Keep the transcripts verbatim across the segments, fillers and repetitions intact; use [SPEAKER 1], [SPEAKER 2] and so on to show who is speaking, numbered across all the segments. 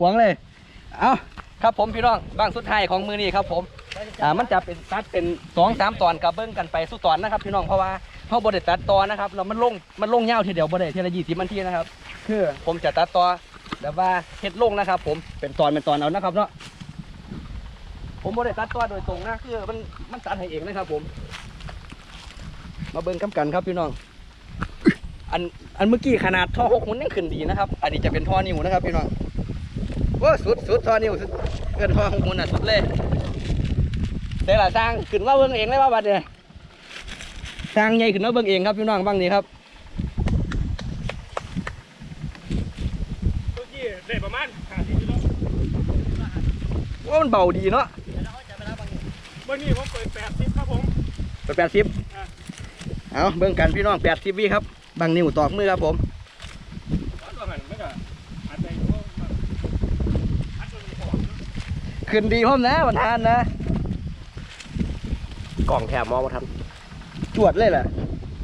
[SPEAKER 1] วงเลยเอาครับผมพี่น้องบ้างสุดท้ายของมือนี้ครับผมอ่ามันจะเป็นตัดเป็นสองสามตอนกับเบิ้งกันไปสู้ตอนนะครับพี่น้องเพราะว่าเขาบดตัดตอนนะครับแล้วมันลงมันลงยาวทีเดียวบดทีละยี่สิบนาทีนะครับคือผมจะตัดต่อแบบว่าเฮ็ดลงนะครับผมเป็นตอนเป็นตอนเอานะครับเนาะผมบดตัดต่อโดยตรงนะคือมันมันตัดให้เองนะครับผมมาเบิ้งกำกันครับพี่น้องอันอันเมื่อกี้ขนาดท่อหกมันยังขึ้นดีนะครับอันนี้จะเป็นท่อนิ้วนะครับพี่น้องว้าสุดสุดท่อนิ้วสุดเกินท่อหกมันอ่ะสุดเลยแต่ละสร้างขึ้นว่าเบิ้งเองเลยว่าบัดเนี่ยสร้างใหญ่ขึ้นว่าเบิ้งเองครับพี่น้องบ้างนี้ครับ
[SPEAKER 2] เมื่อกี้ได้ประมาณห้าสิบกิโล
[SPEAKER 1] ว่ามันเบาดีเนาะ
[SPEAKER 2] วันนี้ผมเปิดแปดสิบครับผม
[SPEAKER 1] เปิดแปดสิบเอาเบิ้งกันพี่น้องแปดสิบวิครับบางนิ้วตอกมือครับผมขึ้นดีพร้อมนะวันทานนะกล่องแถมมองมาทำจวดเลยแหละ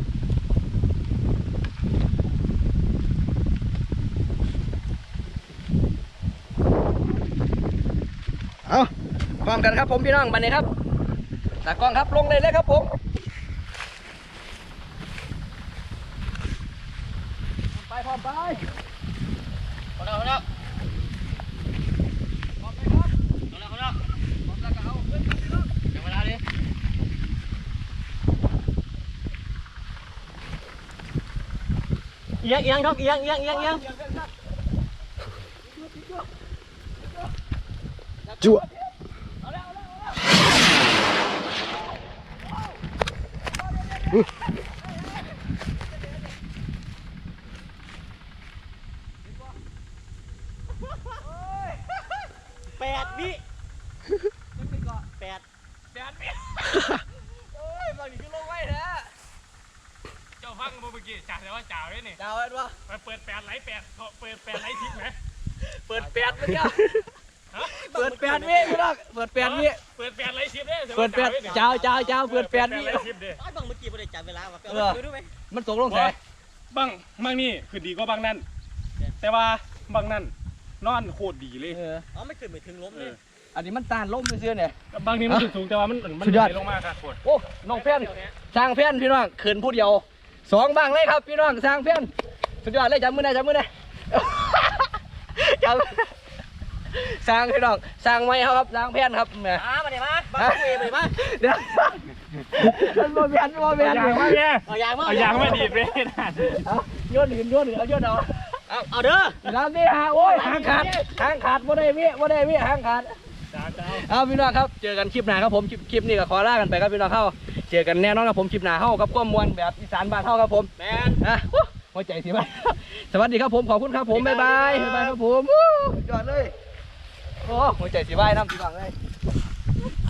[SPEAKER 1] เอาพร้อมกันครับผมพี่น้องบันนี้ครับตากล้องครับลงเลยเลยครับผมไปพร้อมไปพร้อมแล้วพร้อมแล้วพร้อมไปครับพร้อมแล้วพร้อมแล้วพร้อมแล้วก็เอาขึ้นพี่น้องเดี๋ยวเวลาดิเอียงเอียงครับเอียงเอียงเอียงเอียงจั่ว
[SPEAKER 3] แปดวิแปด
[SPEAKER 2] แปดวิ
[SPEAKER 1] โอ้ยบางทีก็ลงไว้แท้
[SPEAKER 2] เจ้าฟังเมื่อกี้จ่าแต่ว่าจ่าไว้นี่
[SPEAKER 1] จ่าไว้ด้วย
[SPEAKER 2] มาเปิดแปดไหลแปดเปิดแปดไหลทิพย์ไหม
[SPEAKER 1] เปิดแปดเมื่อกี้เปิดแปดวิไม่ต้องเปิดแปดวิ
[SPEAKER 2] เปิดแปดไหลทิพย์เนี่ย
[SPEAKER 1] เปิดแปดเจ้าเจ้าเจ้าเปิดแปดวิ
[SPEAKER 3] ไอ้บางเมื่อกี้ไม่ได้จับเวลาว่ะเออดูไหม
[SPEAKER 1] มันตกลงแส
[SPEAKER 2] บางบางนี่คือดีกว่าบางนั่นแต่ว่าบางนั่นนอนโคตรดีเลย
[SPEAKER 3] อ๋อไม่ขึ้นไม่ถึงล้มเลย
[SPEAKER 1] อันนี้มันต้านล้มไปเสื้อเนี่ย
[SPEAKER 2] บางทีมันสูงแต่ว่ามันมันไหลลงมาครับโคตร
[SPEAKER 1] โอ้น้องเพี้ยนสร้างเพี้ยนพี่น้องขืนผู้เดียวสองบ้างเลยครับพี่น้องสร้างเพี้ยนสุดยอดเลยจับมือได้จับมือได้จับสร้างพี่น้องสร้างไม้ครับสร้างเพี้ยนครับแม่
[SPEAKER 3] มามาเดี๋ยวมาบ้าเวมา
[SPEAKER 1] เดี๋ยวมันโมเบียนโมเบียน
[SPEAKER 2] อย่างมาเนี่ย
[SPEAKER 3] เอาอย่างมา
[SPEAKER 2] เอาอย่างมาดีดเลย
[SPEAKER 1] เอาโยนหินโยนหินเอาโยนเอา
[SPEAKER 3] เอาเอาเด้อ
[SPEAKER 1] น้ำนี่ฮะโอ้ยหางขาดหางขาดบ่ได้วิบ่ได้วิหางขาดเอาพี่น้องครับเจอกันคลิปหน้าครับผมคลิปนี้ก็ขอลากันไปครับพี่น้องเข้าเจอกันแน่นอนครับผมคลิปหน้าเข้ากับข้อมวลแบบอีสานบ้านเข้าครับผม
[SPEAKER 3] แมน
[SPEAKER 1] นะหัวใจสิบ้าสวัสดีครับผมขอบคุณครับผมบ๊ายบายบ๊ายบายครับผมยอดเลยโอ้หัวใจสิบ้าน้ำพี่น้องเลย